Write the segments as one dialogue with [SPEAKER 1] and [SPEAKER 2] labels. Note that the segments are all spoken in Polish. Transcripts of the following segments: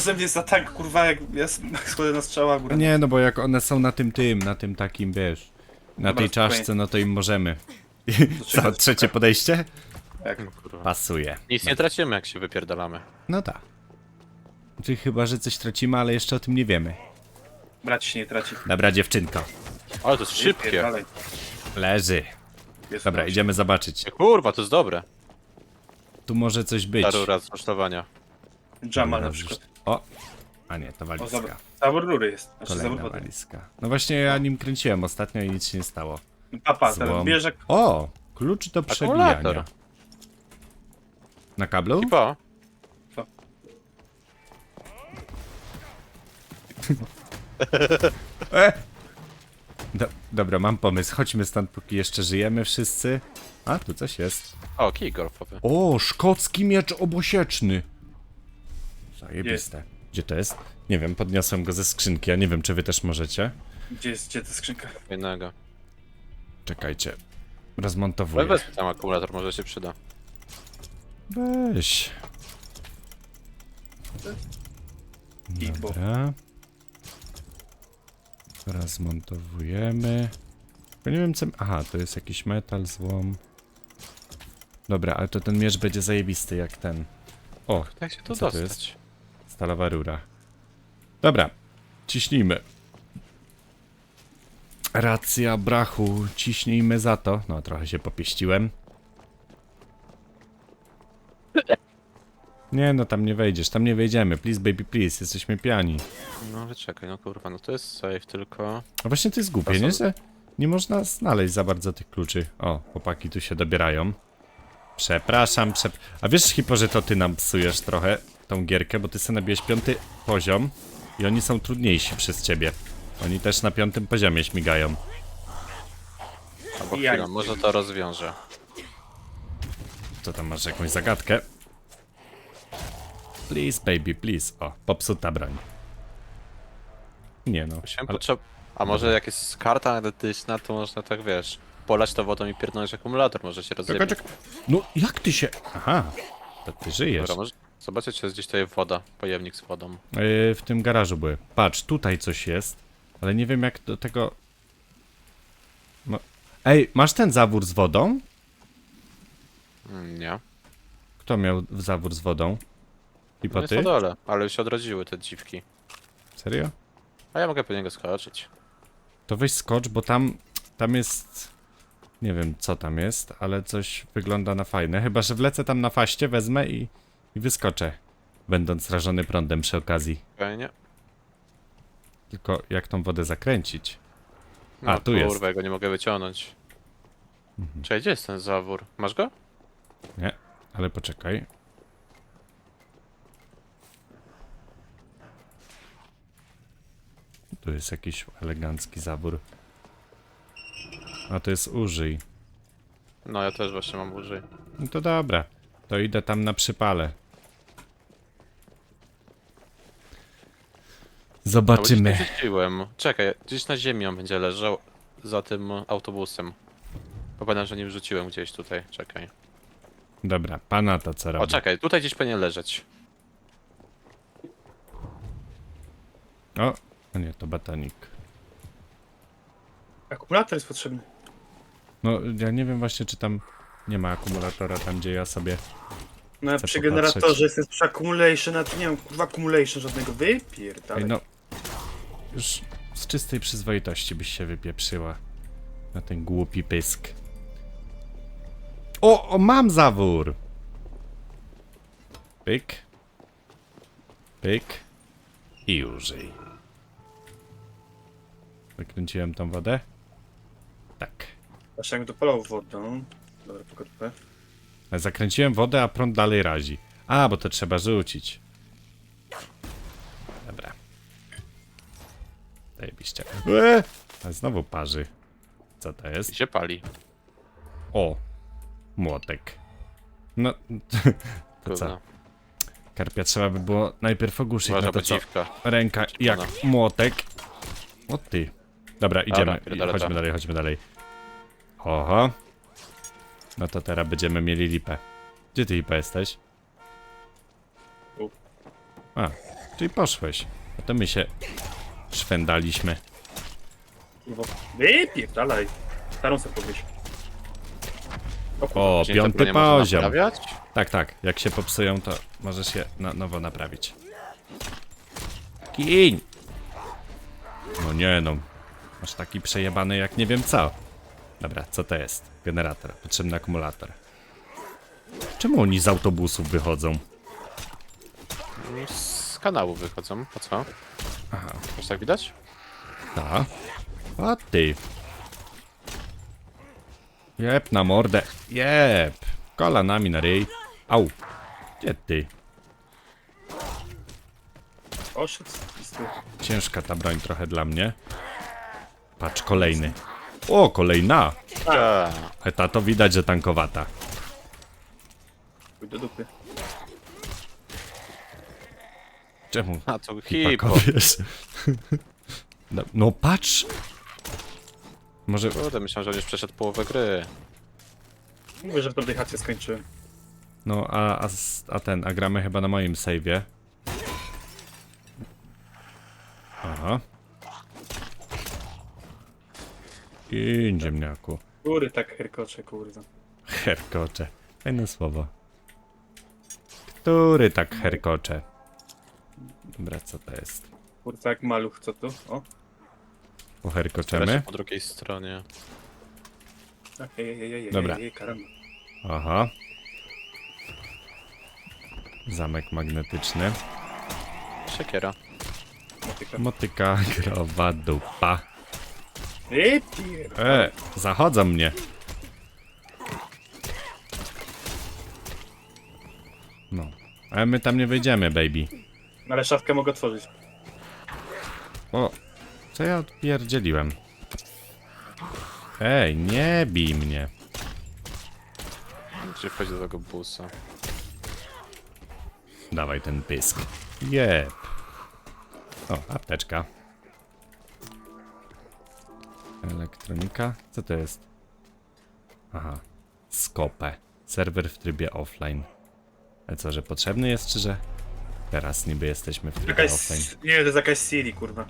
[SPEAKER 1] ze mnie za tank, kurwa, jak ja schodzę na strzała górę.
[SPEAKER 2] Nie, no bo jak one są na na tym takim, wiesz, na
[SPEAKER 1] Dobra,
[SPEAKER 2] tej
[SPEAKER 1] spokojnie.
[SPEAKER 2] czaszce, no to im możemy. Co,
[SPEAKER 1] czekaj,
[SPEAKER 2] trzecie podejście?
[SPEAKER 1] Jak?
[SPEAKER 3] No kurwa.
[SPEAKER 2] Pasuje.
[SPEAKER 3] Nic nie tracimy, jak się wypierdalamy.
[SPEAKER 2] No tak. Czyli chyba, że coś tracimy, ale jeszcze o tym nie wiemy.
[SPEAKER 1] Brać się nie traci.
[SPEAKER 2] Dobra, dziewczynko.
[SPEAKER 3] Ale to jest szybkie.
[SPEAKER 1] Dalej.
[SPEAKER 2] Leży. Dobra, idziemy zobaczyć.
[SPEAKER 3] Kurwa, to jest dobre.
[SPEAKER 2] Tu może coś być.
[SPEAKER 3] Ta rura z kosztowania.
[SPEAKER 1] Jamal na
[SPEAKER 2] Dobra,
[SPEAKER 1] przykład.
[SPEAKER 2] O! A nie, to
[SPEAKER 1] O,
[SPEAKER 2] walizka.
[SPEAKER 1] zobacz. Zawór rury jest. Znaczy zawór
[SPEAKER 2] Kolejna
[SPEAKER 1] wody.
[SPEAKER 2] walizka. No właśnie ja nim kręciłem ostatnio i nic się nie stało.
[SPEAKER 1] Papa, teraz
[SPEAKER 2] Złom.
[SPEAKER 1] bierze...
[SPEAKER 2] O! Klucz do przebijania.
[SPEAKER 3] Akumulator.
[SPEAKER 2] Na kablu?
[SPEAKER 3] Kipa.
[SPEAKER 2] Dobra, mam pomysł. Chodźmy stąd, póki jeszcze żyjemy wszyscy. A, tu coś jest.
[SPEAKER 3] O, kij golfowy.
[SPEAKER 2] O, szkocki miecz obosieczny. Zajebiste. Gdzie to jest? Nie wiem, podniosłem go ze skrzynki, ja nie wiem, czy wy też możecie.
[SPEAKER 1] Gdzie ta skrzynka?
[SPEAKER 3] Jednego.
[SPEAKER 2] Czekajcie. Rozmontowuję.
[SPEAKER 3] Weź tam akumulator, może się przyda.
[SPEAKER 2] Weź.
[SPEAKER 1] Gitbo.
[SPEAKER 2] Dobra. Rozmontowujemy. Tylko nie wiem co... Aha, to jest jakiś metal, złom. Dobra, ale to ten miecz będzie zajebisty jak ten. O,
[SPEAKER 3] Jak się tu
[SPEAKER 2] co to jest?
[SPEAKER 3] dostać?
[SPEAKER 2] Stalowa rura. Dobra, ciśnijmy. Racja brachu, ciśnijmy za to. No, trochę się popieściłem. Nie, no tam nie wejdziesz, tam nie wejdziemy. Please, baby, please, jesteśmy piani.
[SPEAKER 3] No ale czekaj, no kurwa, no to jest safe tylko.
[SPEAKER 2] A właśnie to jest głupie, nie? Że nie można znaleźć za bardzo tych kluczy. O, chłopaki tu się dobierają. Przepraszam, A wiesz, Hipo, że to ty nam psujesz trochę tą gierkę, bo ty sobie nabiłeś 5. poziom i oni są trudniejsi przez ciebie. Oni też na 5. poziomie śmigają.
[SPEAKER 3] Albo
[SPEAKER 1] Ja
[SPEAKER 3] chwila,
[SPEAKER 1] nie
[SPEAKER 3] może to rozwiąże.
[SPEAKER 2] Co tam, masz jakąś zagadkę? Please, baby, please. O, popsuta broń. Nie no,
[SPEAKER 3] Musiałem
[SPEAKER 2] ale...
[SPEAKER 3] A może jak jest karta analityczna, to można tak, wiesz, polać to wodą i pierdolnąć akumulator, może się rozjebić.
[SPEAKER 2] Czekaj. No, jak ty się... Aha, to ty żyjesz.
[SPEAKER 3] Dobra, może zobaczyć, czy jest gdzieś tutaj woda, pojemnik z wodą.
[SPEAKER 2] W tym garażu były. Patrz, tutaj coś jest, ale nie wiem jak do tego... No. Ej, masz ten zawór z wodą?
[SPEAKER 3] Nie.
[SPEAKER 2] Kto miał zawór z wodą? I
[SPEAKER 3] No
[SPEAKER 2] po
[SPEAKER 3] jest
[SPEAKER 2] ty?
[SPEAKER 3] na dole, ale już się odrodziły te dziwki.
[SPEAKER 2] Serio?
[SPEAKER 3] A ja mogę po niego skoczyć.
[SPEAKER 2] To weź skocz, bo tam jest... Nie wiem co tam jest, ale coś wygląda na fajne. Chyba, że wlecę tam na faście, wezmę i wyskoczę. Będąc rażony prądem przy okazji.
[SPEAKER 3] Fajnie.
[SPEAKER 2] Tylko jak tą wodę zakręcić?
[SPEAKER 3] No,
[SPEAKER 2] A, tu jest.
[SPEAKER 3] Kurwa, ja go nie mogę wyciągnąć. Czekaj, gdzie jest ten zawór? Masz go?
[SPEAKER 2] Nie, ale poczekaj. Tu jest jakiś elegancki zawór. A to jest użyj.
[SPEAKER 3] No, ja też właśnie mam użyj.
[SPEAKER 2] No to dobra. To idę tam na przypale. Zobaczymy.
[SPEAKER 3] Gdzieś rzuciłem. Czekaj, gdzieś na ziemi on będzie leżał za tym autobusem. Bo pamiętam, że nim rzuciłem gdzieś tutaj. Czekaj.
[SPEAKER 2] Dobra, pana to co
[SPEAKER 3] O,
[SPEAKER 2] robi?
[SPEAKER 3] czekaj, tutaj gdzieś powinien leżeć.
[SPEAKER 2] O nie, to batonik.
[SPEAKER 1] Akumulator jest potrzebny.
[SPEAKER 2] No, ja nie wiem właśnie, czy tam nie ma akumulatora, tam gdzie ja sobie...
[SPEAKER 1] No
[SPEAKER 2] Chcę
[SPEAKER 1] przy
[SPEAKER 2] popatrzeć.
[SPEAKER 1] generatorze jest przy accumulation, a tu nie mam kurwa accumulation żadnego. Wypierdalaj.
[SPEAKER 2] Ej, no... Już z czystej przyzwoitości byś się wypieprzyła. Na ten głupi pysk. O, mam zawór! Pyk. Pyk. I użyj. Wykręciłem tą wodę? Tak.
[SPEAKER 1] Właśnie jak dopalał wodą. Dobra, pokoczkę.
[SPEAKER 2] Zakręciłem wodę, a prąd dalej razi. A, bo to trzeba rzucić. Dobra. Zajebiście. A znowu parzy. Co to
[SPEAKER 3] I
[SPEAKER 2] jest?
[SPEAKER 3] się pali.
[SPEAKER 2] O! Młotek. No, to co?
[SPEAKER 3] Kurwa.
[SPEAKER 2] Karpia trzeba by było najpierw ogłuszyć
[SPEAKER 3] Uważa,
[SPEAKER 2] na to,
[SPEAKER 3] bo
[SPEAKER 2] co
[SPEAKER 3] dziwka.
[SPEAKER 2] ręka jak
[SPEAKER 3] Czerwona.
[SPEAKER 2] młotek. O ty. Dobra, idziemy.
[SPEAKER 3] pierdolę
[SPEAKER 2] Chodźmy
[SPEAKER 3] to.
[SPEAKER 2] dalej, chodźmy dalej. Oho. No to teraz będziemy mieli lipę. Gdzie ty, Lipa, jesteś?
[SPEAKER 1] Tu.
[SPEAKER 2] A, tu i poszłeś. A to my się szwendaliśmy.
[SPEAKER 1] Kurwa. Wypierdalaj. Starą sobie powieś.
[SPEAKER 2] O,
[SPEAKER 3] Czyli te
[SPEAKER 2] 5.
[SPEAKER 3] bronie można
[SPEAKER 2] poziom.
[SPEAKER 3] naprawiać?
[SPEAKER 2] Tak, tak. Jak się popsują, to możesz je na nowo naprawić. Kiń! No nie no. Masz taki przejebany jak nie wiem co. Dobra, co to jest? Generator. Potrzebny akumulator. Czemu oni z autobusów wychodzą?
[SPEAKER 3] Z kanału wychodzą, po co?
[SPEAKER 2] Aha.
[SPEAKER 3] Już tak widać?
[SPEAKER 2] Ta. A ty. Jep na mordę. Jep. Kolanami na ryj. Au. Gdzie ty?
[SPEAKER 1] Oszedł z tyłu.
[SPEAKER 2] Ciężka ta broń trochę dla mnie. Patrz, kolejny. O, kolejna.
[SPEAKER 3] Tak.
[SPEAKER 2] A ta to widać, że tankowata.
[SPEAKER 1] Chuj do dupy.
[SPEAKER 2] Czemu?
[SPEAKER 3] A to
[SPEAKER 2] Hipo.
[SPEAKER 3] hipo.
[SPEAKER 2] Wiesz? No patrz. Może...
[SPEAKER 3] Kurde, myślałem, że on już przeszedł połowę gry.
[SPEAKER 1] Mówię, że w tej chacie skończyłem.
[SPEAKER 2] No, a gramy chyba na moim save'ie. Aha. I ziemniaku.
[SPEAKER 1] Góry tak herkocze, kurwa.
[SPEAKER 2] Herkocze. Fajne słowo. Który tak herkocze? Dobra, co to jest?
[SPEAKER 1] Kurwa jak maluch, co tu? O.
[SPEAKER 2] Poherkoczemy?
[SPEAKER 3] Po drugiej stronie.
[SPEAKER 1] Tak, ej,
[SPEAKER 2] Dobra.
[SPEAKER 1] karamba.
[SPEAKER 2] Aha. Zamek magnetyczny.
[SPEAKER 3] Siekiera.
[SPEAKER 1] Motyka.
[SPEAKER 2] Motyka, growa, dupa.
[SPEAKER 1] Wypierdalaj.
[SPEAKER 2] Zachodzą mnie. No. Ale my tam nie wejdziemy, baby.
[SPEAKER 1] Ale szafkę mogę otworzyć.
[SPEAKER 2] O, co ja odpierdzieliłem? Ej, nie bij mnie.
[SPEAKER 3] Gdzie wchodzi do tego busa?
[SPEAKER 2] Dawaj ten pysk. Jep. O, apteczka. Elektronika. Co to jest? Aha. Skopę. Serwer w trybie offline. Ale co, że potrzebny jest, czy że? Teraz niby jesteśmy w trybie
[SPEAKER 1] Jakaś...
[SPEAKER 2] offline.
[SPEAKER 1] Nie, to jest jakaś Siri, kurwa.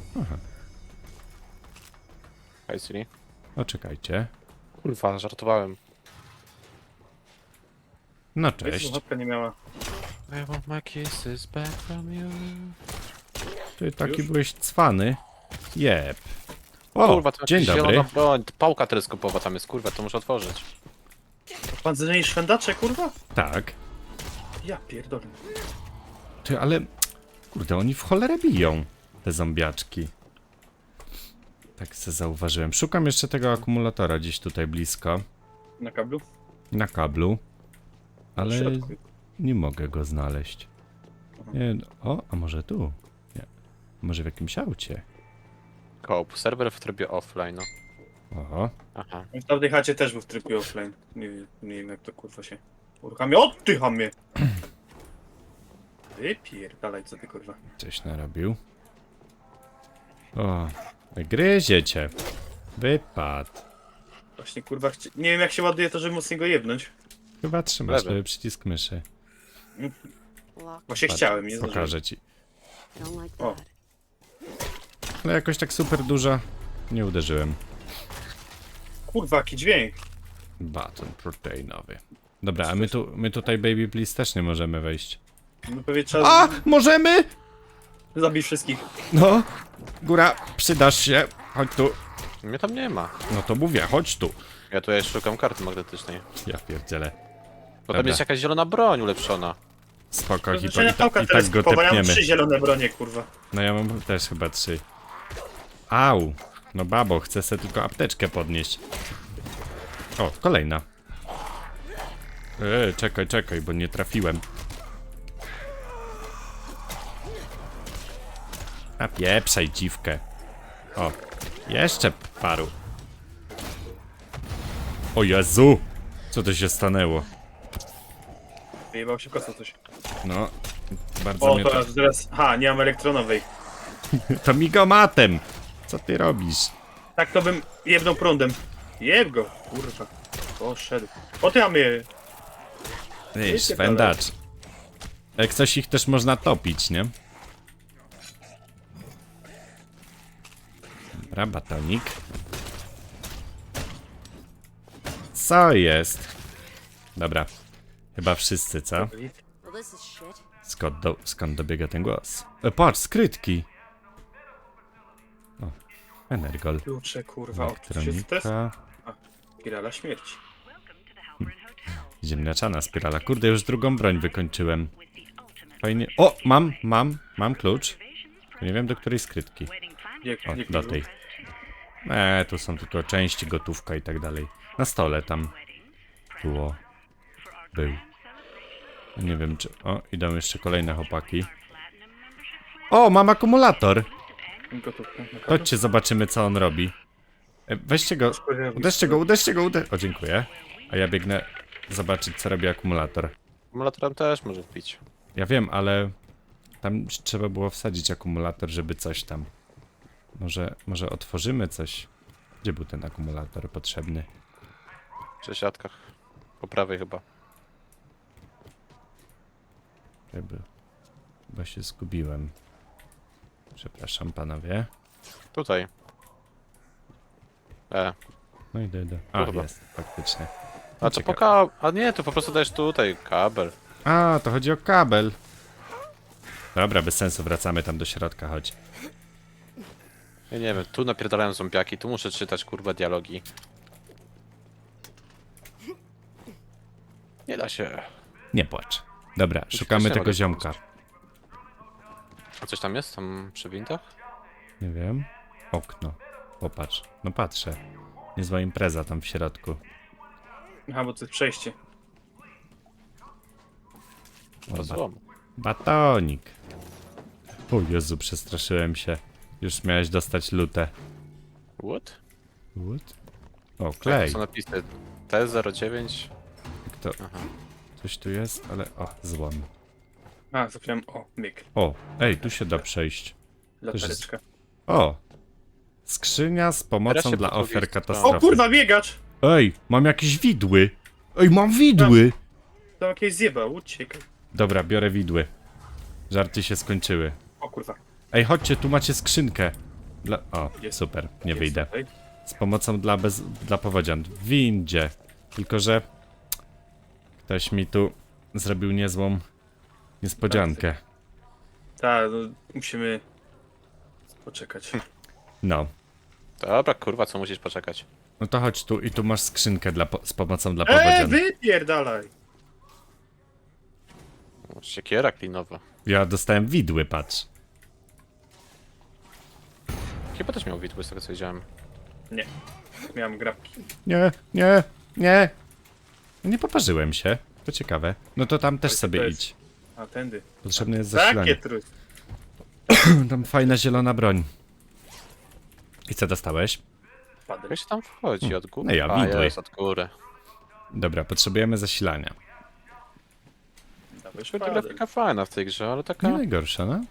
[SPEAKER 3] Hej Siri.
[SPEAKER 2] O, czekajcie.
[SPEAKER 3] Kurwa, żartowałem.
[SPEAKER 2] No
[SPEAKER 1] Wiesz,
[SPEAKER 2] cześć.
[SPEAKER 1] słuchawka nie miała.
[SPEAKER 3] I want my kisses back from you.
[SPEAKER 2] Ty taki
[SPEAKER 1] Już?
[SPEAKER 2] byłeś cwany. Jep. O,
[SPEAKER 3] Kurwa, to
[SPEAKER 2] dzień
[SPEAKER 3] jakaś
[SPEAKER 2] dobry.
[SPEAKER 3] zielona broń. Pałka teleskopowa tam jest, kurwa, to muszę otworzyć.
[SPEAKER 1] Pan zmieni szwendacze, kurwa?
[SPEAKER 2] Tak.
[SPEAKER 1] Ja pierdolę.
[SPEAKER 2] Ty, ale... Kurde, oni w cholerę biją. Te zombiaczki. Tak se zauważyłem. Szukam jeszcze tego akumulatora gdzieś tutaj blisko.
[SPEAKER 1] Na kablu?
[SPEAKER 2] Na kablu.
[SPEAKER 1] W
[SPEAKER 2] Ale
[SPEAKER 1] środku.
[SPEAKER 2] nie mogę go znaleźć. Nie, o, a może tu? Nie. Może w jakimś aucie?
[SPEAKER 3] Koop, serwer w trybie offline, no.
[SPEAKER 2] Oho.
[SPEAKER 3] Aha.
[SPEAKER 1] W tamtej chacie też był w trybie offline. Nie wiem jak to kurwa się uruchamia. Oddycham Wypierdalaj, co ty kurwa.
[SPEAKER 2] Coś narobił. O, gryzie cię. Wypad.
[SPEAKER 1] Właśnie kurwa, nie wiem jak się ładuje to, żeby mocniej go jebnąć.
[SPEAKER 2] Chyba trzymasz
[SPEAKER 3] Lewy.
[SPEAKER 2] lewy przycisk myszy.
[SPEAKER 1] Właśnie
[SPEAKER 2] Patrz,
[SPEAKER 1] chciałem, nie zdążyłem.
[SPEAKER 2] pokażę ci.
[SPEAKER 4] Don't like
[SPEAKER 1] O.
[SPEAKER 4] that.
[SPEAKER 2] Ale jakoś tak super dużo nie uderzyłem.
[SPEAKER 1] Kurwa, jaki dźwięk.
[SPEAKER 2] Baton proteinowy. Dobra, a my tutaj Baby Please też nie możemy wejść.
[SPEAKER 1] No pewnie trzeba
[SPEAKER 2] A! Możemy!
[SPEAKER 1] zabić wszystkich.
[SPEAKER 2] No! Góra, przydasz się. Chodź tu.
[SPEAKER 3] Mnie tam nie ma.
[SPEAKER 2] No to mówię, chodź tu.
[SPEAKER 3] Ja tutaj szukam karty magnetycznej.
[SPEAKER 2] Ja pierdzielę.
[SPEAKER 3] Bo tam
[SPEAKER 2] Dobra.
[SPEAKER 3] jest jakaś zielona broń ulepszona.
[SPEAKER 2] Spoko, hipo,
[SPEAKER 1] Znaczenia pałka
[SPEAKER 2] i tak go
[SPEAKER 1] teleskopowa, ja mam
[SPEAKER 2] tepniemy.
[SPEAKER 1] 3 zielone bronie, kurwa.
[SPEAKER 2] No ja mam też chyba 3. Au! No babo, chcę sobie tylko apteczkę podnieść. O, kolejna. Czekaj, bo nie trafiłem. A pieprzaj dziwkę. O, jeszcze paru. O Jezu! Co to się stanęło?
[SPEAKER 1] Wyjebał się kosa coś.
[SPEAKER 2] No, bardzo
[SPEAKER 1] O,
[SPEAKER 2] mnie to...
[SPEAKER 1] teraz... Ha, nie mam elektronowej.
[SPEAKER 2] To migomatem! Co ty robisz?
[SPEAKER 1] Tak to bym jebnął prądem. Jeb go, kurwa. Poszedł. O ty mamy.
[SPEAKER 2] Ej, swędacz. Jak coś ich też można topić, nie? Dobra, batonik. Co jest? Dobra. Chyba wszyscy, co?
[SPEAKER 4] Well, this is shit.
[SPEAKER 2] Skąd dobiega ten głos? Patrz, skrytki! O, Energol.
[SPEAKER 1] Klucze, kurwa. O, to się test?
[SPEAKER 2] Elektronika.
[SPEAKER 1] Spirala śmierci.
[SPEAKER 2] Ziemniaczana spirala. Kurde, już drugą broń wykończyłem. Fajnie. O, mam klucz. Nie wiem do której skrytki. O, do tej. Tu są tylko części, gotówka i tak dalej. Na stole tam. Było. Był. Nie wiem czy... O, idą jeszcze kolejne chłopaki. O, mam akumulator.
[SPEAKER 1] Gotówka.
[SPEAKER 2] Chodźcie, zobaczymy co on robi. Weźcie go. Uderzcie go. O, dziękuję. A ja biegnę zobaczyć co robi akumulator.
[SPEAKER 3] Akumulatorem też może wbić.
[SPEAKER 2] Ja wiem, ale... Tam trzeba było wsadzić akumulator, żeby coś tam... Może otworzymy coś? Gdzie był ten akumulator potrzebny?
[SPEAKER 3] W przesiadkach. Po prawej chyba.
[SPEAKER 2] Chyba się zgubiłem. Przepraszam panowie.
[SPEAKER 3] Tutaj.
[SPEAKER 2] No idę. A,
[SPEAKER 3] Kurwa.
[SPEAKER 2] jest, faktycznie.
[SPEAKER 3] A to po A nie, to po prostu dajesz tutaj kabel.
[SPEAKER 2] A, to chodzi o kabel. Dobra, bez sensu, wracamy tam do środka, chodź.
[SPEAKER 3] Ja nie wiem, tu napierdalają zombiaki, tu muszę czytać kurwa dialogi. Nie da się.
[SPEAKER 2] Nie płacz. Dobra, szukamy
[SPEAKER 3] się
[SPEAKER 2] tego
[SPEAKER 3] mogę
[SPEAKER 2] ziomka.
[SPEAKER 3] A coś tam jest? Tam przy wintach?
[SPEAKER 2] Nie wiem. Okno. Popatrz. No patrzę. Niezła impreza tam w środku.
[SPEAKER 1] Aha, bo to jest przejście.
[SPEAKER 3] To złom.
[SPEAKER 2] Batonik. O Jezu, przestraszyłem się. Już miałeś dostać lutę.
[SPEAKER 3] What?
[SPEAKER 2] What? O,
[SPEAKER 3] Tak,
[SPEAKER 2] klej.
[SPEAKER 3] są napisy T09.
[SPEAKER 2] To...
[SPEAKER 3] Aha.
[SPEAKER 2] Coś tu jest, ale... O, złom.
[SPEAKER 1] A, zapomniałem. O, myk.
[SPEAKER 2] O, ej, tu się da przejść.
[SPEAKER 1] Latareczka.
[SPEAKER 2] O! Skrzynia z
[SPEAKER 3] Teraz
[SPEAKER 2] pomocą
[SPEAKER 3] się
[SPEAKER 2] dla
[SPEAKER 3] po drugiej
[SPEAKER 2] ofiar
[SPEAKER 3] stronie.
[SPEAKER 2] katastrofy.
[SPEAKER 1] O kurwa, biegacz!
[SPEAKER 2] Ej, mam jakieś widły. Ej, mam widły!
[SPEAKER 1] To jakieś zjeba, uciekaj.
[SPEAKER 2] Dobra, biorę widły. Żarty się skończyły.
[SPEAKER 1] O kurwa.
[SPEAKER 2] Ej, chodźcie, tu macie skrzynkę. O,
[SPEAKER 1] Jest.
[SPEAKER 2] super, nie
[SPEAKER 1] Jest
[SPEAKER 2] wyjdę.
[SPEAKER 1] tutaj.
[SPEAKER 2] Z pomocą dla powodzian. W windzie. Tylko, że... Ktoś mi tu zrobił niezłą niespodziankę.
[SPEAKER 1] Tak, no, musimy poczekać.
[SPEAKER 2] No.
[SPEAKER 3] Dobra, kurwa, co musisz poczekać?
[SPEAKER 2] No to chodź tu i tu masz skrzynkę z pomocą dla powodzian.
[SPEAKER 1] Wypierdalaj!
[SPEAKER 3] O, siekiera klinowa.
[SPEAKER 2] Ja dostałem widły, patrz.
[SPEAKER 3] Chyba też miał widły z tego co widziałem.
[SPEAKER 1] Nie. Miałem grabki.
[SPEAKER 2] Nie. Nie poparzyłem się. To ciekawe. No to tam też
[SPEAKER 1] to
[SPEAKER 2] sobie
[SPEAKER 1] jest-
[SPEAKER 2] idź.
[SPEAKER 1] A, tędy.
[SPEAKER 2] Potrzebne jest
[SPEAKER 1] Takie
[SPEAKER 2] zasilanie.
[SPEAKER 1] trud.
[SPEAKER 2] Tam fajna zielona broń. I co dostałeś?
[SPEAKER 1] Padel.
[SPEAKER 3] Jak się tam wchodzi? Od góry?
[SPEAKER 2] No ja
[SPEAKER 3] A,
[SPEAKER 2] widły.
[SPEAKER 3] jest od góry.
[SPEAKER 2] Dobra, potrzebujemy zasilania.
[SPEAKER 1] Dałeś
[SPEAKER 3] Kurde,
[SPEAKER 1] padel.
[SPEAKER 3] grafika fajna w tej grze, ale
[SPEAKER 2] Nie
[SPEAKER 3] taka...
[SPEAKER 2] najgorsza, no?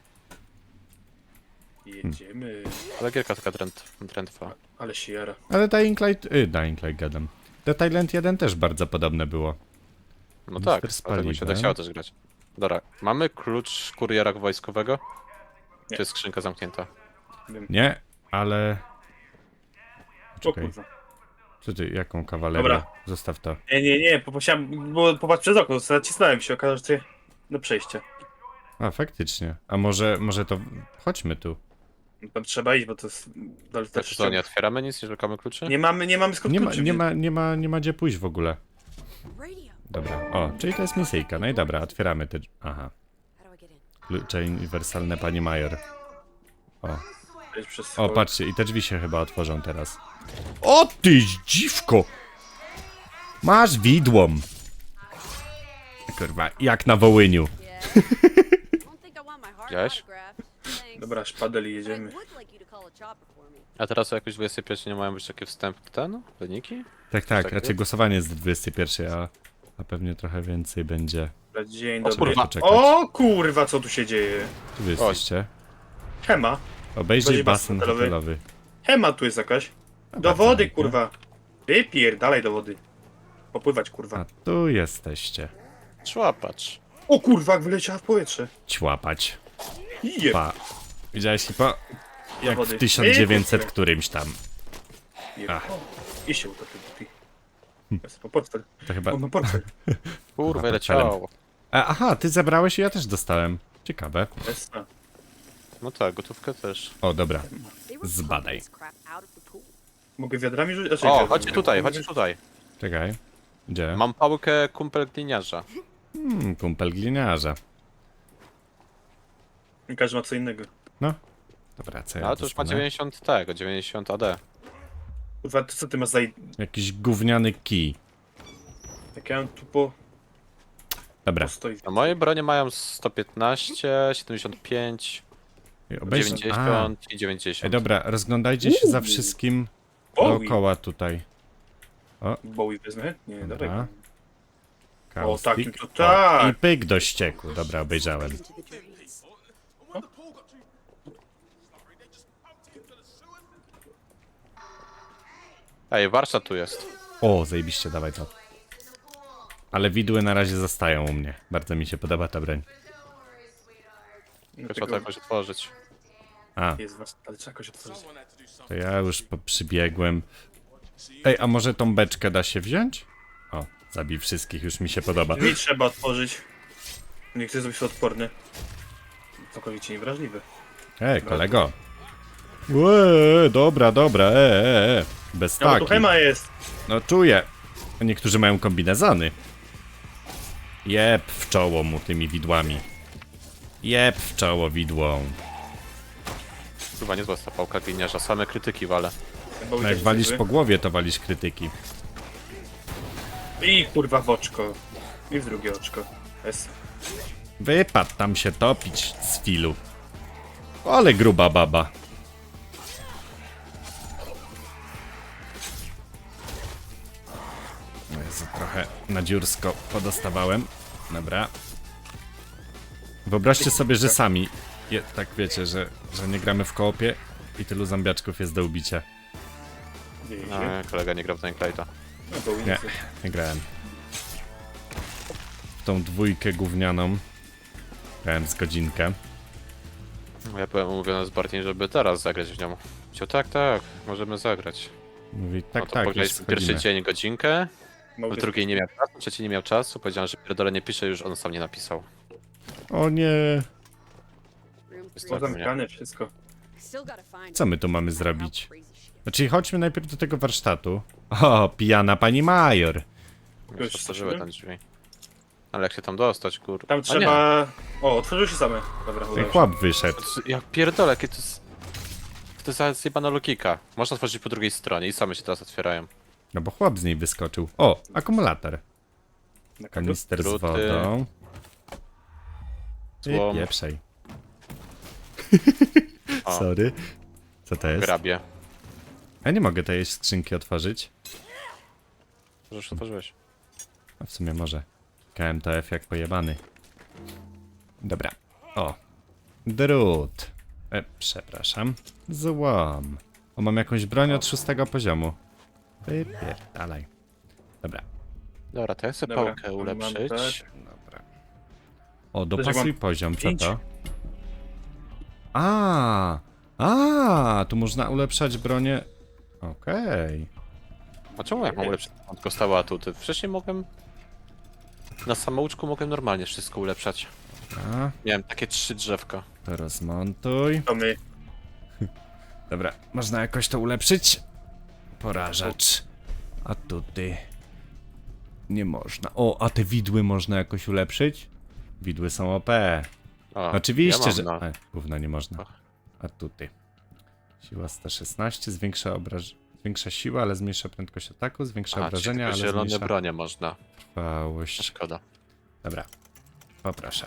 [SPEAKER 1] Jedziemy.
[SPEAKER 3] Ale gierka taka drętwa.
[SPEAKER 1] Ale się jara.
[SPEAKER 2] Ale Dying Light gadam. The Thailand 1 też bardzo podobne było.
[SPEAKER 3] No
[SPEAKER 2] Mister
[SPEAKER 3] tak,
[SPEAKER 2] z
[SPEAKER 3] dlatego mi się
[SPEAKER 2] paliwem.
[SPEAKER 3] tak chciało też grać. Dobra, mamy klucz kuriera wojskowego?
[SPEAKER 1] Nie.
[SPEAKER 3] Czy jest skrzynka zamknięta?
[SPEAKER 2] Nie, ale...
[SPEAKER 1] O
[SPEAKER 2] Czekaj,
[SPEAKER 1] kurwa.
[SPEAKER 2] co ty, jaką kawalerię?
[SPEAKER 1] Dobra.
[SPEAKER 2] Zostaw to.
[SPEAKER 1] Nie, popatrzyłem, bo popatrz przez okno, zacisnąłem się, okazało się do przejścia.
[SPEAKER 2] A, faktycznie. A może to... Chodźmy tu.
[SPEAKER 1] No tam trzeba iść, bo to jest... dalej
[SPEAKER 3] Tak,
[SPEAKER 1] też
[SPEAKER 3] co, nie otwieramy nic, nie szukamy kluczy?
[SPEAKER 1] nie mamy skąd kluczy,
[SPEAKER 2] Nie ma gdzie pójść w ogóle.
[SPEAKER 4] Radio.
[SPEAKER 2] Dobra, o, czyli to jest misyjka. No i dobra, otwieramy te... Aha,
[SPEAKER 4] How do I get in?
[SPEAKER 2] klucze uniwersalne pani Major.
[SPEAKER 1] Przejść przez
[SPEAKER 2] O,
[SPEAKER 1] schody.
[SPEAKER 2] patrzcie, i te drzwi się chyba otworzą teraz. O ty dziwko! Masz widłom! Kurwa, jak na Wołyniu.
[SPEAKER 4] Yeah. I don't think I want my heart
[SPEAKER 3] Widziałeś?
[SPEAKER 4] autographed. Thanks.
[SPEAKER 1] Dobra, szpadel i
[SPEAKER 4] But I
[SPEAKER 1] jedziemy.
[SPEAKER 4] would like you to call a chopper for me.
[SPEAKER 3] A teraz o jakoś 21 nie mają być takie wstępne wyniki?
[SPEAKER 2] Tak,
[SPEAKER 3] takiego?
[SPEAKER 2] raczej głosowanie jest do 21, a pewnie trochę więcej będzie.
[SPEAKER 1] Dobra, dzień
[SPEAKER 3] O
[SPEAKER 1] dobry.
[SPEAKER 3] kurwa.
[SPEAKER 2] Poczekać.
[SPEAKER 1] O kurwa, co tu się dzieje?
[SPEAKER 2] Tu wy jesteście.
[SPEAKER 1] Hema.
[SPEAKER 2] Obejrzyj
[SPEAKER 1] Będzie
[SPEAKER 2] basen
[SPEAKER 1] basen
[SPEAKER 2] hotelowy.
[SPEAKER 1] Hema tu jest jakaś. Do
[SPEAKER 2] bardzo
[SPEAKER 1] wody,
[SPEAKER 2] ładnie.
[SPEAKER 1] kurwa. Wypierdalaj do wody. Popływać, kurwa.
[SPEAKER 2] A tu jesteście.
[SPEAKER 3] Człapacz.
[SPEAKER 1] O kurwa, jak wyleciała w powietrze.
[SPEAKER 2] Ćłapać.
[SPEAKER 1] Jeb.
[SPEAKER 2] Pa. Widziałeś hipo? Jak
[SPEAKER 1] wody.
[SPEAKER 2] w 1900 którymś tam. Ach.
[SPEAKER 1] I się utopił. Jest, po portfel.
[SPEAKER 2] To chyba...
[SPEAKER 1] On ma portfel.
[SPEAKER 3] Kurwa,
[SPEAKER 2] Aha,
[SPEAKER 3] leciało.
[SPEAKER 2] Aha, ty zabrałeś i ja też dostałem. Ciekawe.
[SPEAKER 1] Jest, a.
[SPEAKER 3] No tak, gotówkę też.
[SPEAKER 2] O, dobra.
[SPEAKER 4] They were
[SPEAKER 2] Zbadaj.
[SPEAKER 4] pumping this crap out of the pool.
[SPEAKER 1] Mogę wiadrami rzucić? Znaczy,
[SPEAKER 3] O,
[SPEAKER 1] wiadrami.
[SPEAKER 3] chodźcie tutaj, chodźcie tutaj.
[SPEAKER 2] Czekaj. Gdzie?
[SPEAKER 3] Mam pałkę kumpel gliniarza.
[SPEAKER 2] Kumpel gliniarza.
[SPEAKER 1] Każdy ma co innego.
[SPEAKER 2] No. Dobra, co ja
[SPEAKER 3] Ale to już ma
[SPEAKER 2] dostanę?
[SPEAKER 3] 90 tego, 90 AD.
[SPEAKER 1] Kurwa, to co ty masz za...
[SPEAKER 2] Jakiś gówniany kij.
[SPEAKER 1] Jak ja mam tu po...
[SPEAKER 2] Dobra.
[SPEAKER 1] Postoi.
[SPEAKER 3] No moje bronie mają 115, 75,
[SPEAKER 2] Obejrz...
[SPEAKER 3] 90 i
[SPEAKER 2] Ej,
[SPEAKER 3] 90.
[SPEAKER 2] dobra, rozglądajcie się za wszystkim
[SPEAKER 1] Bowie.
[SPEAKER 2] dookoła tutaj.
[SPEAKER 1] Bowie wezmę? Nie,
[SPEAKER 2] Dobra.
[SPEAKER 1] dobra.
[SPEAKER 2] Kaustik.
[SPEAKER 1] takim to tak.
[SPEAKER 2] I pyk do ścieku. Dobra, obejrzałem.
[SPEAKER 4] Into the drains.
[SPEAKER 3] Ej, warsztat tu jest.
[SPEAKER 2] O, zajebiście, dawaj to. Ale widły na razie zostają u mnie. Bardzo mi się podoba ta broń.
[SPEAKER 3] Tylko trzeba to jakoś otworzyć.
[SPEAKER 2] A,
[SPEAKER 1] Jest was, ale trzeba jakoś otworzyć.
[SPEAKER 2] to ja już przybiegłem. Ej, a może tą beczkę da się wziąć? O, zabij wszystkich, już mi się podoba.
[SPEAKER 1] Mi trzeba otworzyć. Nie chcę zrobić odporny. Całkowicie niewrażliwy.
[SPEAKER 2] Ej, kolego. Dobra, dobra, Bez
[SPEAKER 1] No bo tu
[SPEAKER 2] taki.
[SPEAKER 1] Hema jest.
[SPEAKER 2] No czuję. Niektórzy mają kombinezony. Jeb w czoło mu tymi widłami. Jeb w czoło widłą.
[SPEAKER 3] Chyba niezła ta pałka gliniarza, same krytyki wale.
[SPEAKER 2] No jak walisz po głowie, to walisz krytyki.
[SPEAKER 1] I kurwa w oczko. I w drugie oczko. Jest.
[SPEAKER 2] Wypadł tam się topić z filu. Ale gruba baba. No Jezu, trochę na dziursko podostawałem. Dobra. Wyobraźcie sobie, że sami, tak wiecie, że nie gramy w koopie i tylu zombiaczków jest do ubicia.
[SPEAKER 3] No, kolega nie grał w Tenclate'a.
[SPEAKER 1] No, Bowie
[SPEAKER 2] Nie,
[SPEAKER 1] jest.
[SPEAKER 2] nie grałem. W tą dwójkę gównianą grałem z godzinkę.
[SPEAKER 3] Ja byłem umówiony z Bartiem, żeby teraz zagrać w nią. Powiedział, tak, możemy zagrać.
[SPEAKER 2] Mówi, tak,
[SPEAKER 3] No to
[SPEAKER 2] tak, już
[SPEAKER 3] powiedzieliśmy pierwszy
[SPEAKER 2] wchodzimy.
[SPEAKER 3] dzień godzinkę,
[SPEAKER 1] Mogę-
[SPEAKER 3] w drugiej nie miał czasu, trzeci nie miał czasu, powiedziałem, że pierdolę nie pisze, już on sam nie napisał.
[SPEAKER 2] O nie,
[SPEAKER 4] Room
[SPEAKER 3] Jest
[SPEAKER 1] To
[SPEAKER 3] to-
[SPEAKER 1] zamykane wszystko.
[SPEAKER 4] I still gotta find
[SPEAKER 2] co my tu
[SPEAKER 4] it.
[SPEAKER 2] mamy
[SPEAKER 4] No matter how
[SPEAKER 2] zrobić?
[SPEAKER 4] crazy she gets.
[SPEAKER 2] Znaczy chodźmy najpierw do tego warsztatu. O, pijana pani major.
[SPEAKER 3] Już otworzyły tam drzwi. Ale jak się tam dostać, kur...
[SPEAKER 1] Tam
[SPEAKER 3] A
[SPEAKER 1] trzeba... O, otworzyły się same. Dobra,
[SPEAKER 2] Ten
[SPEAKER 1] udało się.
[SPEAKER 2] chłop wyszedł.
[SPEAKER 3] nie. Ja pierdolę, jakie to jest... To jest zjebana logika. Można otworzyć po drugiej stronie i same się teraz otwierają.
[SPEAKER 2] No bo chłop z niej wyskoczył. O, akumulator.
[SPEAKER 1] Na kogo?
[SPEAKER 2] Kanister z
[SPEAKER 3] Druty.
[SPEAKER 2] wodą. Ty
[SPEAKER 3] Złom.
[SPEAKER 2] pieprzej.
[SPEAKER 3] O.
[SPEAKER 2] Sorry. Co to jest?
[SPEAKER 3] Grabie.
[SPEAKER 2] Ja nie mogę tej skrzynki otworzyć.
[SPEAKER 3] Że już otworzyłeś.
[SPEAKER 2] A w sumie może. KMTF jak pojebany. Dobra. O. Drut. Przepraszam. Złom. O, mam jakąś broń od 6 poziomu. Wypierdalaj. Dobra.
[SPEAKER 3] Dobra, to ja chcę
[SPEAKER 1] Dobra,
[SPEAKER 3] pałkę
[SPEAKER 1] mam
[SPEAKER 3] ulepszyć.
[SPEAKER 1] tak.
[SPEAKER 2] Dobra. O,
[SPEAKER 1] Też
[SPEAKER 2] dopasuj
[SPEAKER 1] mam
[SPEAKER 2] poziom, co
[SPEAKER 1] 5.
[SPEAKER 2] to? Tu można ulepszać bronię. Okej.
[SPEAKER 3] A czemu jak mam ulepszyć tylko stałe atuty? Wcześniej mogłem... Na samouczku mogłem normalnie wszystko ulepszać.
[SPEAKER 2] A,
[SPEAKER 3] Miałem takie 3 drzewka.
[SPEAKER 2] to rozmontuj.
[SPEAKER 1] To my.
[SPEAKER 2] Dobra, można jakoś to ulepszyć? Porażacz. A tutaj... Nie można. O, a te widły można jakoś ulepszyć? Widły są OP.
[SPEAKER 3] O,
[SPEAKER 2] Oczywiście,
[SPEAKER 3] ja mam,
[SPEAKER 2] że...
[SPEAKER 3] no.
[SPEAKER 2] Gówno nie można.
[SPEAKER 3] Ach.
[SPEAKER 2] A tutaj. Siła 116, zwiększa siłę, ale zmniejsza prędkość ataku, zwiększa
[SPEAKER 3] Aha,
[SPEAKER 2] obrażenia,
[SPEAKER 3] tylko
[SPEAKER 2] ale
[SPEAKER 3] zielone
[SPEAKER 2] zmniejsza
[SPEAKER 3] bronie można.
[SPEAKER 2] trwałość.
[SPEAKER 3] Szkoda.
[SPEAKER 2] Dobra. Poproszę.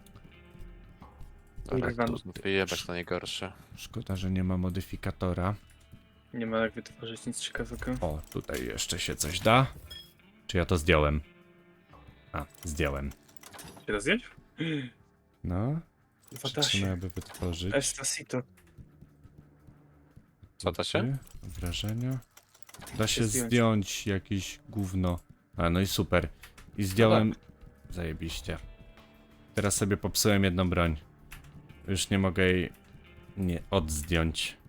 [SPEAKER 3] Dobra,
[SPEAKER 1] Kurwa,
[SPEAKER 3] tu znów wyjebać na najgorsze.
[SPEAKER 2] Szkoda, że nie ma modyfikatora.
[SPEAKER 1] Nie ma jak wytworzyć nic ciekawego.
[SPEAKER 2] O, tutaj jeszcze się coś da. Czy ja to zdjąłem? A, zdjąłem.
[SPEAKER 1] Się da zdjąć?
[SPEAKER 2] No,
[SPEAKER 1] Kurwa, da się.
[SPEAKER 2] trzeba by wytworzyć.
[SPEAKER 1] Estacito.
[SPEAKER 3] Co to się?
[SPEAKER 2] Obrażenia. Da się
[SPEAKER 1] zdjąć.
[SPEAKER 2] zdjąć jakieś gówno. A, no i super. I zdjąłem... Zajebiście. Teraz sobie popsułem jedną broń. Już nie mogę jej... nie odzdjąć.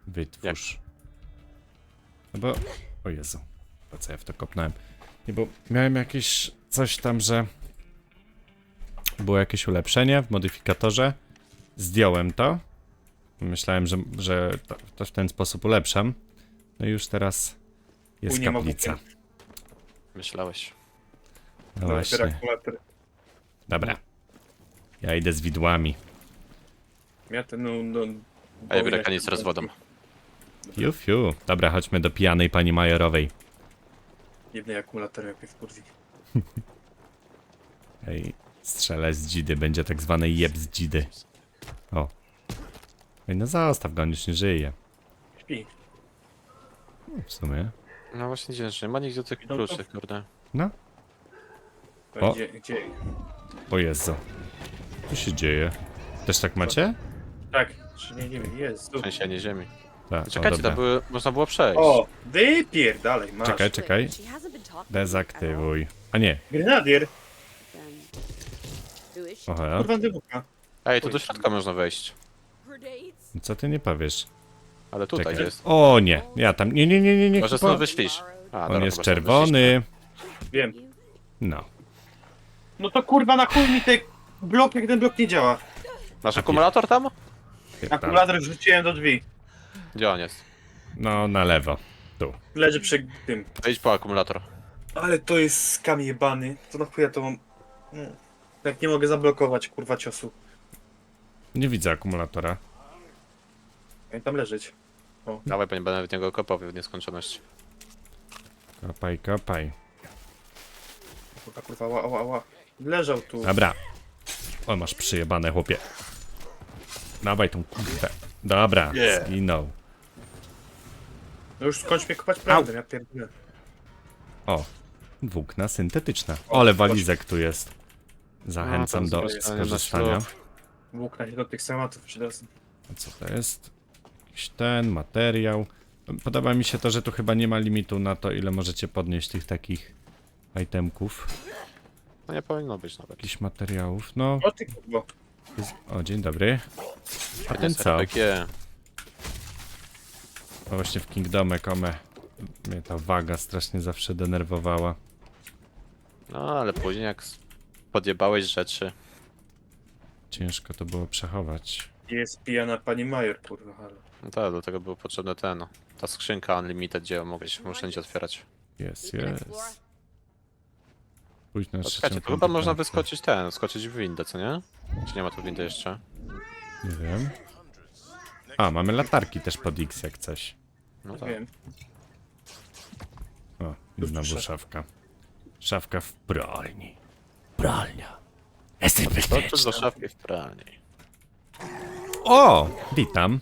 [SPEAKER 2] Wytwórz. No bo... O Jezu. Po co ja w to kopnąłem? Nie, bo miałem jakieś... Coś tam, że... Było jakieś ulepszenie w modyfikatorze. Zdjąłem to. Myślałem, że to w ten sposób ulepszam. No i już teraz jest
[SPEAKER 1] Chuj, nie ma
[SPEAKER 2] kaplica.
[SPEAKER 1] bukiet.
[SPEAKER 3] Myślałeś.
[SPEAKER 2] No właśnie.
[SPEAKER 1] Akumulator.
[SPEAKER 2] Dobra. Ja idę z widłami.
[SPEAKER 1] Ja ten, no...
[SPEAKER 3] A ja biorę kanister z wodą.
[SPEAKER 2] Fiu, fiu. Dobra, chodźmy do pijanej pani Majorowej.
[SPEAKER 1] Jednej akumulator jak mnie wkurwi.
[SPEAKER 2] Ej, strzelę z dzidy. Będzie tak zwany jeb z dzidy. O. Ej, no zostaw go, on już nie żyje.
[SPEAKER 1] Śpi.
[SPEAKER 2] W sumie.
[SPEAKER 3] No właśnie dziwne, że nie ma nigdzie tych
[SPEAKER 1] No to-
[SPEAKER 3] kluczy, kurde.
[SPEAKER 2] No. O.
[SPEAKER 1] Gdzie?
[SPEAKER 2] O Jezu. Co się dzieje? Też tak macie?
[SPEAKER 1] Tak, czy nie wiem, jest.
[SPEAKER 3] Trzęsienie ziemi.
[SPEAKER 2] Tak,
[SPEAKER 3] Czekajcie, to były, można było przejść.
[SPEAKER 1] O, wypierdalej, masz.
[SPEAKER 2] Czekaj, czekaj.
[SPEAKER 4] She hasn't been talking to me at all.
[SPEAKER 2] Dezaktywuj. A nie.
[SPEAKER 1] Grenadier,
[SPEAKER 4] Then who is she?
[SPEAKER 2] Oho.
[SPEAKER 1] kurwa dybuka.
[SPEAKER 3] Ej, tu do środka można wejść.
[SPEAKER 4] Grenades?
[SPEAKER 2] Co ty nie powiesz?
[SPEAKER 3] Ale tutaj
[SPEAKER 2] Czekaj.
[SPEAKER 3] jest.
[SPEAKER 2] O nie, ja tam. Nie.
[SPEAKER 3] Może
[SPEAKER 2] Kupo.
[SPEAKER 3] stąd wyślisz. A,
[SPEAKER 2] On
[SPEAKER 3] dobra,
[SPEAKER 2] jest
[SPEAKER 3] chyba stąd
[SPEAKER 2] czerwony.
[SPEAKER 1] Wiem.
[SPEAKER 2] No.
[SPEAKER 1] No to kurwa na chuj mi ten blok, jak ten blok nie działa.
[SPEAKER 3] wyślisz. Masz akumulator tam?
[SPEAKER 1] Akumulator wrzuciłem do drzwi.
[SPEAKER 3] Gdzie on jest?
[SPEAKER 2] No, na lewo. Tu.
[SPEAKER 1] Leży przy tym.
[SPEAKER 3] Wejdź po akumulator.
[SPEAKER 1] Ale to jest skam jebany. To na chuja to mam... No. Jak nie mogę zablokować kurwa ciosu.
[SPEAKER 2] Nie widzę akumulatora.
[SPEAKER 1] Jak tam leżeć.
[SPEAKER 3] Dawaj, bo nie będę w niego kopał w nieskończoność.
[SPEAKER 2] Kopaj, kopaj.
[SPEAKER 1] Kurwa, ała. Leżał tu.
[SPEAKER 2] Dobra. O, masz przyjebane, chłopie. Dawaj tą kurwę. Dobra,
[SPEAKER 3] Nie.
[SPEAKER 2] zginął.
[SPEAKER 1] No już skończ mnie kopać prawdę, ja pierdolę.
[SPEAKER 2] O, włókna syntetyczna. Ale walizek tu jest. Zachęcam
[SPEAKER 3] A, tam
[SPEAKER 2] do
[SPEAKER 3] skorzystanie na
[SPEAKER 2] skorzystania.
[SPEAKER 3] ślub.
[SPEAKER 1] Włókna się do tych schematów przydadzą.
[SPEAKER 2] A co to jest? Jakiś ten materiał. Podoba mi się to, że tu chyba nie ma limitu na to, ile możecie podnieść tych takich itemków.
[SPEAKER 3] No nie powinno być nawet.
[SPEAKER 2] Jakichś materiałów. No,
[SPEAKER 1] O ty kurwa.
[SPEAKER 2] o, dzień dobry. A ten co?
[SPEAKER 3] RPG.
[SPEAKER 2] No właśnie w Kingdomie Come mnie ta waga strasznie zawsze denerwowała.
[SPEAKER 3] No ale później jak podjebałeś rzeczy.
[SPEAKER 2] Ciężko to było przechować.
[SPEAKER 1] Jest pijana pani Major, kurwa, halo.
[SPEAKER 3] No tak, do tego był potrzebny ten. Ta skrzynka Unlimited, gdzie mogłeś wszędzie otwierać.
[SPEAKER 2] Jest,
[SPEAKER 4] Keep it
[SPEAKER 2] jest.
[SPEAKER 4] exploring.
[SPEAKER 2] Pójdź na
[SPEAKER 3] No,
[SPEAKER 2] trzecią
[SPEAKER 3] czekajcie, to chyba
[SPEAKER 2] piątą
[SPEAKER 3] można
[SPEAKER 2] piątkę.
[SPEAKER 3] wyskoczyć skoczyć w windę, co nie? Czy nie ma tu windy jeszcze?
[SPEAKER 2] Nie wiem. A, mamy latarki też pod X jak coś.
[SPEAKER 3] No tak.
[SPEAKER 1] Wiem.
[SPEAKER 2] O, i znowu
[SPEAKER 1] Proszę.
[SPEAKER 2] szafka. Szafka w pralni. Pralnia. Jesteś
[SPEAKER 3] Skoczyć
[SPEAKER 2] bezpieczny.
[SPEAKER 3] do szafki w pralni.
[SPEAKER 2] O! Witam.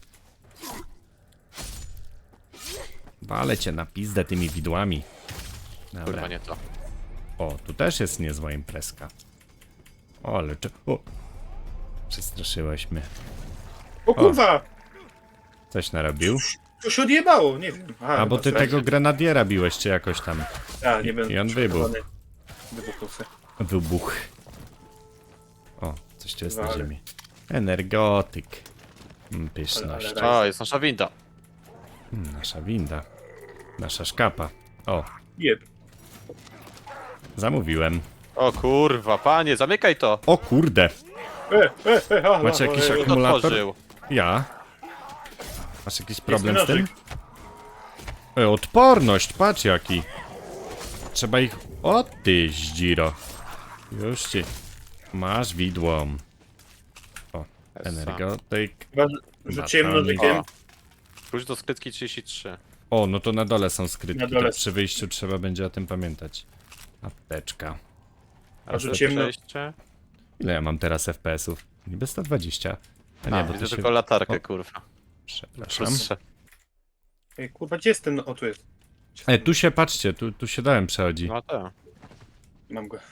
[SPEAKER 2] Walę cię na pizdę tymi widłami.
[SPEAKER 3] Kurwa,
[SPEAKER 2] Dobra.
[SPEAKER 3] nie to.
[SPEAKER 2] O, tu też jest niezła imprezka. O, ale czy... O! Przestraszyłeś mnie.
[SPEAKER 1] O kurwa!
[SPEAKER 2] Coś narobił?
[SPEAKER 1] To się odjebało, nie wiem. Aha,
[SPEAKER 2] A, bo
[SPEAKER 1] chyba
[SPEAKER 2] ty
[SPEAKER 1] sobie-
[SPEAKER 2] tego grenadiera biłeś, czy jakoś tam.
[SPEAKER 1] A, nie będę
[SPEAKER 2] I on wybuchł.
[SPEAKER 1] przekonany. Wybuchnął se.
[SPEAKER 2] Wybuch. O, coś tu jest na
[SPEAKER 1] Ale-
[SPEAKER 2] ziemi. Energotyk. Pyszność.
[SPEAKER 1] Ale-
[SPEAKER 3] O, jest nasza winda.
[SPEAKER 2] Nasza winda. Nasza szkapa. O,
[SPEAKER 1] Jeb.
[SPEAKER 2] zamówiłem.
[SPEAKER 3] O kurwa, panie, zamykaj to!
[SPEAKER 2] O kurde!
[SPEAKER 1] Halo,
[SPEAKER 2] Macie jakiś
[SPEAKER 1] halo,
[SPEAKER 3] Kto
[SPEAKER 2] akumulator?
[SPEAKER 3] otworzył?
[SPEAKER 2] Ja. Masz jakiś problem z tym?
[SPEAKER 1] nożyk.
[SPEAKER 2] Odporność, patrz jaki. Trzeba ich... O ty zdziro. Już ci. Masz widło. O, energotyk.
[SPEAKER 1] Chyba rzuciłem
[SPEAKER 2] Batalnik.
[SPEAKER 1] nożykiem.
[SPEAKER 3] O. Wróć do skrytki 33.
[SPEAKER 2] O, no to na dole są skrytki,
[SPEAKER 1] Na dole.
[SPEAKER 2] to przy wyjściu trzeba będzie o tym pamiętać. Apteczka.
[SPEAKER 3] A
[SPEAKER 1] rzuciłem no-
[SPEAKER 3] przejście?
[SPEAKER 2] Ile ja mam teraz FPS-ów? Niby 120. A nie,
[SPEAKER 3] A,
[SPEAKER 2] bo
[SPEAKER 3] widzę
[SPEAKER 2] to się...
[SPEAKER 3] tylko latarkę,
[SPEAKER 2] O.
[SPEAKER 3] kurwa.
[SPEAKER 2] Przepraszam.
[SPEAKER 3] Plus
[SPEAKER 1] Ej, kurwa, gdzie jest ten? O, tu jest.
[SPEAKER 2] Tu się, patrzcie, tu się dałem przechodzi.
[SPEAKER 3] No tak.
[SPEAKER 1] Mam go.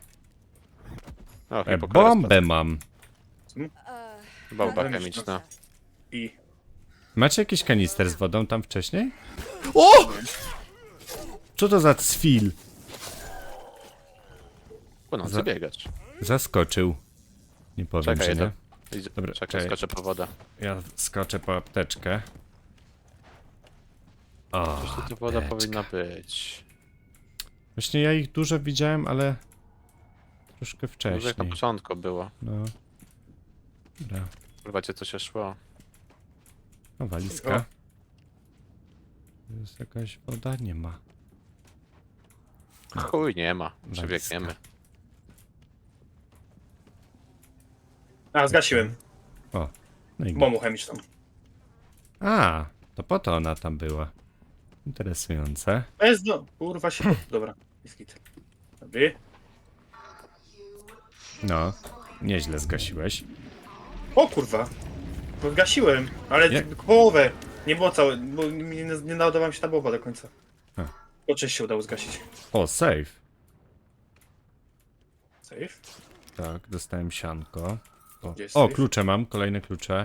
[SPEAKER 3] O,
[SPEAKER 2] Bombę mam.
[SPEAKER 3] Bomba
[SPEAKER 1] Dobra,
[SPEAKER 3] chemiczna.
[SPEAKER 1] I...
[SPEAKER 2] Macie jakiś kanister z wodą tam wcześniej? O! Co to za cwil?
[SPEAKER 3] Po nocy
[SPEAKER 2] Za-
[SPEAKER 3] biegać.
[SPEAKER 2] Zaskoczył. Nie powiem,
[SPEAKER 3] Czekaj,
[SPEAKER 2] że nie.
[SPEAKER 3] Idź-
[SPEAKER 2] Dobra,
[SPEAKER 3] czekaj,
[SPEAKER 2] czekaj.
[SPEAKER 3] skoczę po wodę.
[SPEAKER 2] Ja skoczę po apteczkę. O,
[SPEAKER 3] Coś tu woda
[SPEAKER 2] apteczka.
[SPEAKER 3] powinna być.
[SPEAKER 2] Właśnie ja ich dużo widziałem, ale troszkę
[SPEAKER 3] Może jak na
[SPEAKER 2] wcześniej.
[SPEAKER 3] początku było.
[SPEAKER 2] No. Dobra.
[SPEAKER 3] Kurwa cię co się szło.
[SPEAKER 2] No, walizka. Tu jest jakaś woda? Nie ma.
[SPEAKER 3] Chuj, nie ma.
[SPEAKER 2] Walizka.
[SPEAKER 3] Przebiegniemy.
[SPEAKER 1] A, zgasiłem.
[SPEAKER 2] O, no i
[SPEAKER 1] Bombą chemiczną.
[SPEAKER 2] A, to po to ona tam była. Interesujące.
[SPEAKER 1] Bez do... Kurwa się... Dobra, jest git. Dobry.
[SPEAKER 2] No, nieźle zgasiłeś.
[SPEAKER 1] O kurwa. No zgasiłem, ale
[SPEAKER 2] Nie.
[SPEAKER 1] tylko połowę. Nie było całe, bo nie nadawała mi się ta bomba do końca.
[SPEAKER 2] A.
[SPEAKER 1] To część się udało zgasić.
[SPEAKER 2] O, save.
[SPEAKER 1] Safe?
[SPEAKER 2] Tak, dostałem sianko.
[SPEAKER 1] Gdzie jest
[SPEAKER 2] O,
[SPEAKER 1] safe?
[SPEAKER 2] klucze mam, kolejne klucze.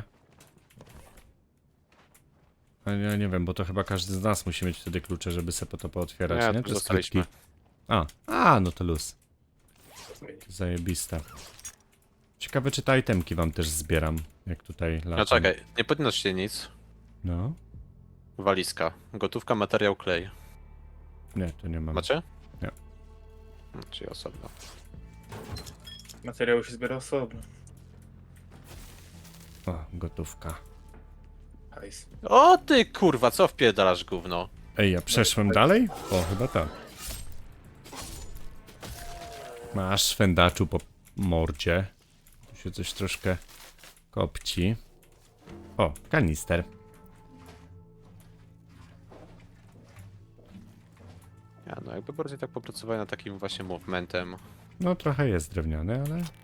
[SPEAKER 2] Ale ja nie wiem, bo to chyba każdy z nas musi mieć wtedy klucze, żeby sobie to pootwierać,
[SPEAKER 3] Nie,
[SPEAKER 2] nie?
[SPEAKER 3] tu
[SPEAKER 2] Te
[SPEAKER 3] zostaliśmy.
[SPEAKER 2] skrytki. A, no to luz. Zajebiste. Ciekawe, czy te itemki wam też zbieram, jak tutaj latam.
[SPEAKER 3] No czekaj, nie podnoś się nic.
[SPEAKER 2] No,
[SPEAKER 3] Walizka. Gotówka, materiał, klej.
[SPEAKER 2] nie, to nie mam.
[SPEAKER 3] Macie?
[SPEAKER 2] Nie.
[SPEAKER 3] No, czyli osobno.
[SPEAKER 1] Materiały się zbiera osobno.
[SPEAKER 2] O, gotówka.
[SPEAKER 1] Hajs.
[SPEAKER 3] O ty kurwa, co wpierdalasz gówno?
[SPEAKER 2] Ej, ja przeszłem dalej? O, chyba tak. Masz szwendaczu po mordzie. Tu się coś troszkę kopci. O, kanister.
[SPEAKER 3] Ja no jakby bardziej tak popracowałem nad takim właśnie movementem,
[SPEAKER 2] No, trochę jest drewniany,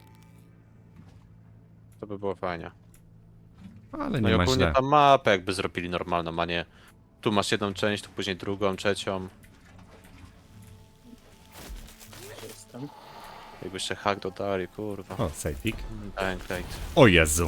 [SPEAKER 3] to by było fajnie.
[SPEAKER 2] ale
[SPEAKER 3] No i
[SPEAKER 2] nie ma
[SPEAKER 3] ogólnie
[SPEAKER 2] źle.
[SPEAKER 3] tam mapę jakby zrobili normalną, a nie tu masz jedną część, tu później drugą, trzecią.
[SPEAKER 1] Jestem.
[SPEAKER 3] Jakby jeszcze hack dodali, kurwa.
[SPEAKER 2] O, sejfik.
[SPEAKER 3] Dying Light.
[SPEAKER 2] O Jezu.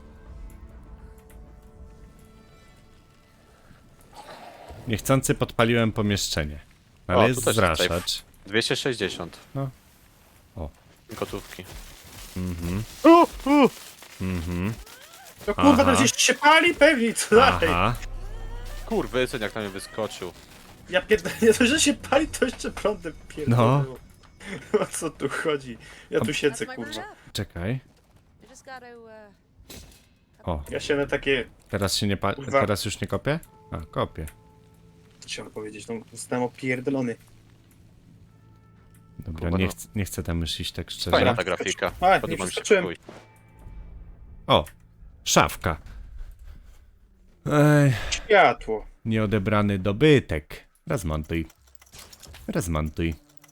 [SPEAKER 2] Niechcący podpaliłem pomieszczenie. Ale
[SPEAKER 3] O,
[SPEAKER 2] jest
[SPEAKER 3] tu też jest
[SPEAKER 2] zraszacz.
[SPEAKER 3] 260.
[SPEAKER 2] No. O.
[SPEAKER 3] Gotówki.
[SPEAKER 2] Mhm. Mhm.
[SPEAKER 1] No kurwa,
[SPEAKER 2] Aha.
[SPEAKER 1] teraz jeszcze się pali pewnie, co dalej?
[SPEAKER 2] Aha.
[SPEAKER 3] Kurwy, syn jak na mnie wyskoczył.
[SPEAKER 1] Ja pierdolę, nie to, że się pali, to jeszcze prądem pierdolę. O co tu chodzi? Ja tu siedzę,
[SPEAKER 4] That's my
[SPEAKER 1] kurwa.
[SPEAKER 4] job.
[SPEAKER 2] Czekaj.
[SPEAKER 4] I just gotta,
[SPEAKER 2] O,
[SPEAKER 1] Ja się na takie...
[SPEAKER 2] teraz się nie pali.
[SPEAKER 1] Kurwa.
[SPEAKER 2] Teraz już nie kopię? A, kopię.
[SPEAKER 1] Co chciałem powiedzieć? No, zostałem opierdolony.
[SPEAKER 2] Dobra,
[SPEAKER 3] Kurwa,
[SPEAKER 2] nie,
[SPEAKER 3] no.
[SPEAKER 2] nie chcę tam już iść tak szczerze.
[SPEAKER 3] Fajna ta grafika.
[SPEAKER 1] A, nie
[SPEAKER 3] Podoba mi się
[SPEAKER 1] przeskoczyłem.
[SPEAKER 3] chuj.
[SPEAKER 2] O, szafka. Ej,
[SPEAKER 1] Światło.
[SPEAKER 2] nieodebrany dobytek. Rozmontuj. Rozmontuj.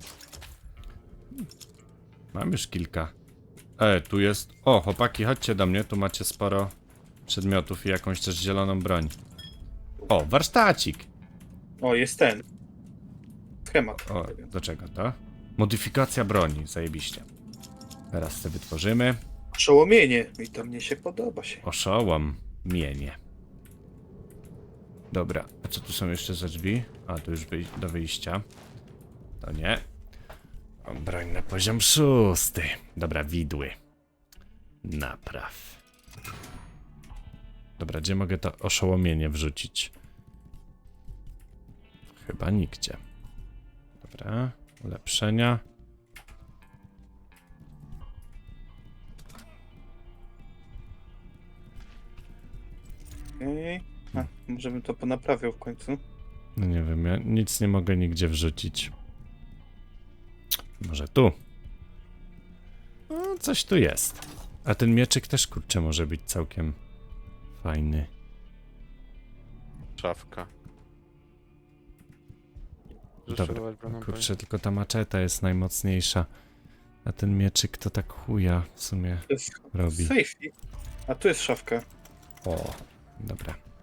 [SPEAKER 2] Mam już kilka. Tu jest... O, chłopaki, chodźcie do mnie, tu macie sporo przedmiotów i jakąś też zieloną broń. O, warsztacik.
[SPEAKER 1] O, jest ten. Schemat.
[SPEAKER 2] O, do czego to? Modyfikacja broni, zajebiście. Teraz sobie wytworzymy.
[SPEAKER 1] Przełomienie. I to mnie się podoba się.
[SPEAKER 2] Oszołom, mienie. Dobra, a co tu są jeszcze za drzwi? A, tu już do wyjścia. To nie. O, broń na poziom 6. Dobra, widły. Napraw. Dobra, gdzie mogę to oszołomienie wrzucić? Chyba nigdzie. Dobra, ulepszenia.
[SPEAKER 1] Okej. A, może bym to ponaprawiał w końcu.
[SPEAKER 2] No nie wiem, ja nic nie mogę nigdzie wrzucić. Może tu? No, coś tu jest. A ten mieczyk też, kurczę, może być całkiem fajny.
[SPEAKER 3] Szafka.
[SPEAKER 2] Dobra,
[SPEAKER 3] Zaszywać broną
[SPEAKER 2] kurczę, tylko ta maczeta jest najmocniejsza. A ten mieczyk to tak chuja w sumie
[SPEAKER 1] To jest
[SPEAKER 2] robi.
[SPEAKER 1] safety. A tu jest szafka.
[SPEAKER 2] O, dobra.